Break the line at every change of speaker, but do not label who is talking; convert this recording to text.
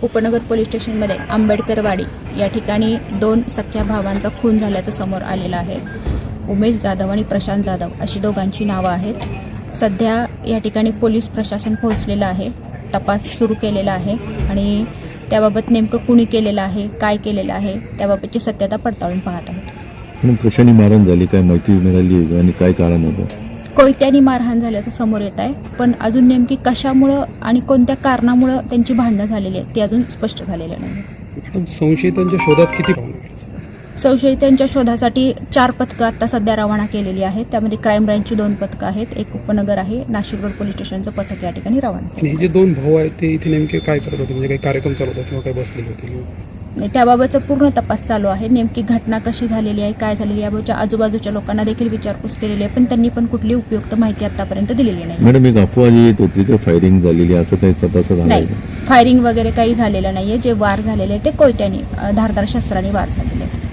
उपनगर पोलीस स्टेशनमध्ये आंबेडकरवाडी या ठिकाणी 2 सख्ख्या भावांचा खून झाल्याचं समोर आलेलं आहे। उमेश जाधव आणि प्रशांत जाधव अशी दोघांची नावं आहेत। सध्या या ठिकाणी पोलीस प्रशासन पोहोचलेलं आहे, तपास सुरू केलेला आहे आणि त्याबाबत नेमकं कुणी केलेलं आहे, काय केलेलं आहे त्याबाबतची सत्यता पडताळून पाहत आहोत।
कशाने मारहाण झाली, काय माहिती मिळाली आणि काय कारण होतं?
कोयत्यानी मारहाण झाल्याचं समोर येत आहे, पण अजून नेमकी कशामुळं आणि कोणत्या कारणामुळं त्यांची भांडणं झालेली आहेत ते अजून स्पष्ट झालेलं नाही।
संशयितांच्या शोधात किती
संशयितांच्या शोधासाठी 4 पथकं आता सध्या रवाना केलेली आहेत। त्यामध्ये क्राईम ब्रँचची 2 पथकं आहेत, एक उपनगर आहे, नाशिक रोड पोलीस स्टेशनचं पथक या ठिकाणी रवाना केलं।
हे जे 2 भाऊ आहेत ते इथे नेमके काय करत होते, म्हणजे काही कार्यक्रम चालू होता किंवा काही बसलेले होते?
त्याबाबतचा पूर्ण तपास चालू आहे। नेमकी घटना कशी झालेली आहे, काय झालेली आहे याबाबतच्या आजूबाजूच्या लोकांना देखील विचारपूस केलेली आहे, पण त्यांनी पण कुठली उपयुक्त माहिती आतापर्यंत दिलेली नाही।
मॅडम, एक अफवा जी येत होती की फायरिंग झालेली, असं काही तपास झाला
नाही, फायरिंग वगैरे काही झालेलं नाहीये। जे वार झालेले ते कोयत्याने धारदार शस्त्राने वार झालेले आहेत।